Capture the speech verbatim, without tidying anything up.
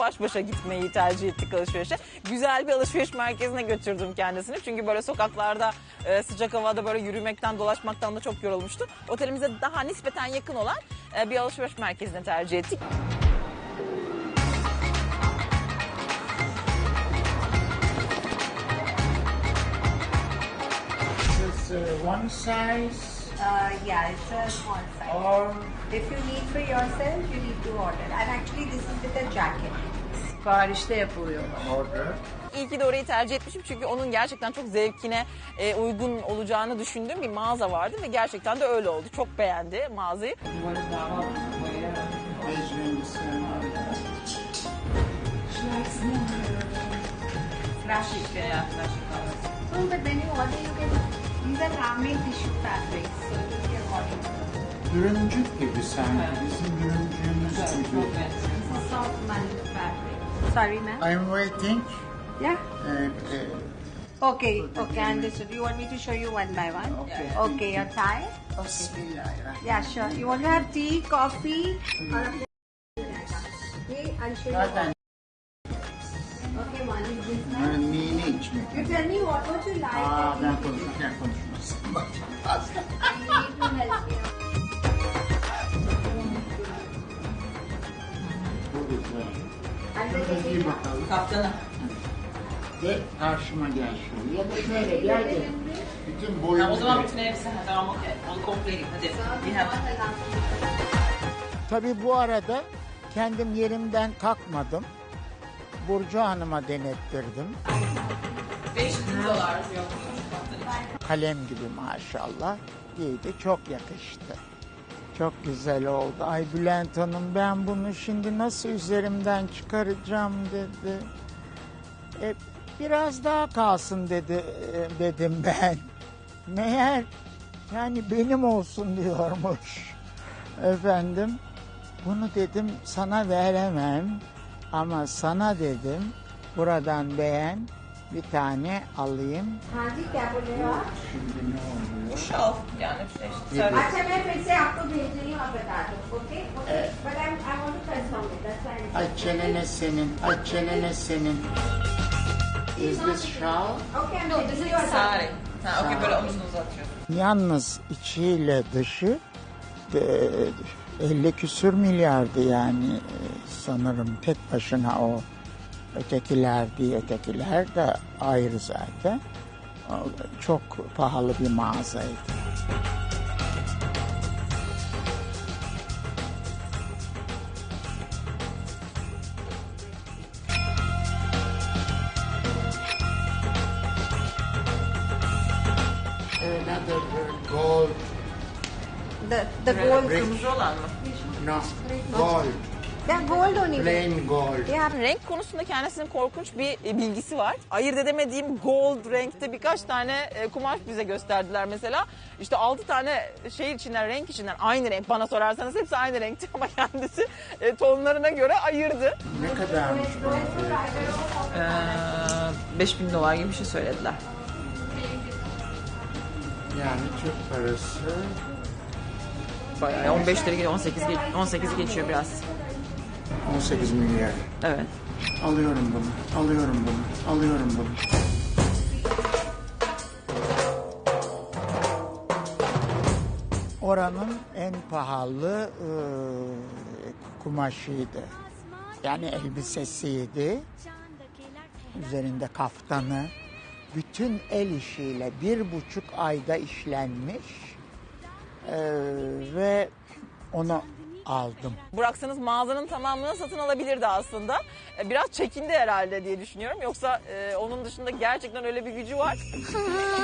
baş başa gitmeyi tercih ettik alışverişe. Güzel bir alışveriş merkezine götürdüm kendisini. Çünkü böyle sokaklarda e, sıcak havada böyle yürümekten, dolaşmaktan da çok yorulmuştu. Otelimize daha nispeten yakın olan e, bir alışveriş merkezine tercih ettik. It's uh, one size Uh, yeah, it's a small size. or If you need for yourself, you need to order. And actually this is with a jacket. Siparişte yapılıyor. order. İyi ki de orayı tercih etmişim çünkü onun gerçekten çok zevkine e, uygun olacağını düşündüğüm bir mağaza vardı ve gerçekten de öyle oldu. Çok beğendi mağazayı. Measuring Plastik veya plastik. So, but when you order, you can. These are handmade tissue fabrics, so it will be according to. Ürüncük gibi sanki. Bizim ürüncüğümüz gibi. This is soft multi fabric. Sorry, ma'am. I'm waiting. Yeah. And, uh, Okay. Okay, understood. You want me to show you one by one? Okay. Okay, your tie. Bismillahirrahmanirrahim. Yeah, sure. You want to have tea, coffee, or a okay? I'll show you. Zaten Okay, one is this hani one. mini içmek. You tell me what would you like. Aa and ben we can- konuşurken konuşmasın. Bak fazla. I need to help you. Bu güzel. And the Şurada giy bakalım. Kaptanı. Ve karşıma gel şöyle. Ya da şöyle gel de. Bütün boyunu. Ha, o zaman bütün elbise. Ha, tamam okey. Onu kompleyin. Hadi. Bir hemen. Tabii bu arada kendim yerimden kalkmadım. Burcu Hanım'a denettirdim. beş bin dolar yok. Kalem gibi maşallah. Giydi, çok yakıştı. Çok güzel oldu. Ay Bülent Hanım ben bunu şimdi nasıl üzerimden çıkaracağım dedi. E, biraz daha kalsın dedi e, dedim ben. Meğer yani benim olsun diyormuş. Efendim bunu dedim sana veremem ama sana dedim buradan beğen bir tane alayım. हाँ जी क्या बोल रहे हो आप? Şimdi ne oluyor? Şal. Yani işte. Servis. अच्छा मैं फिर से आपको भेज रही हूँ आप बता दो okay okay but I I want to confirm it that's why Ay çenene senin, ay çenene senin. Is this shawl? Okay no this is your Sari. Ha, okey böyle omuzunu uzatıyorsun. Yalnız içiyle dışı e, elli küsür milyardı yani e, sanırım tek başına o. Ötekiler diye ötekiler de ayrı zaten. O, çok pahalı bir mağazaydı. Another gold, the the gold Kırmızı olan mı? no, gold, yeah gold only plain gold. yeah Renk konusunda kendisinin korkunç bir e, bilgisi var. Ayırt edemediğim gold renkte birkaç tane e, kumaş bize gösterdiler mesela. İşte altı tane şey içinden, renk içinden aynı renk. Bana sorarsanız hepsi aynı renkti ama kendisi e, tonlarına göre ayırdı. Ne kadarmış bu? Ee, beş bin dolar gibi bir şey söylediler. Yani Türk parası Bayağı on beşleri geçiyor, on sekiz geç- on sekiz geçiyor biraz. on sekiz milyar. Evet. Alıyorum bunu, alıyorum bunu, alıyorum bunu. Oranın en pahalı e, kumaşıydı. Yani elbisesiydi. Üzerinde kaftanı. Bütün el işiyle bir buçuk ayda işlenmiş. E, ve onu aldım. Bıraksanız mağazanın tamamını satın alabilirdi aslında. E, Biraz çekindi herhalde diye düşünüyorum. Yoksa e, onun dışında gerçekten öyle bir gücü var.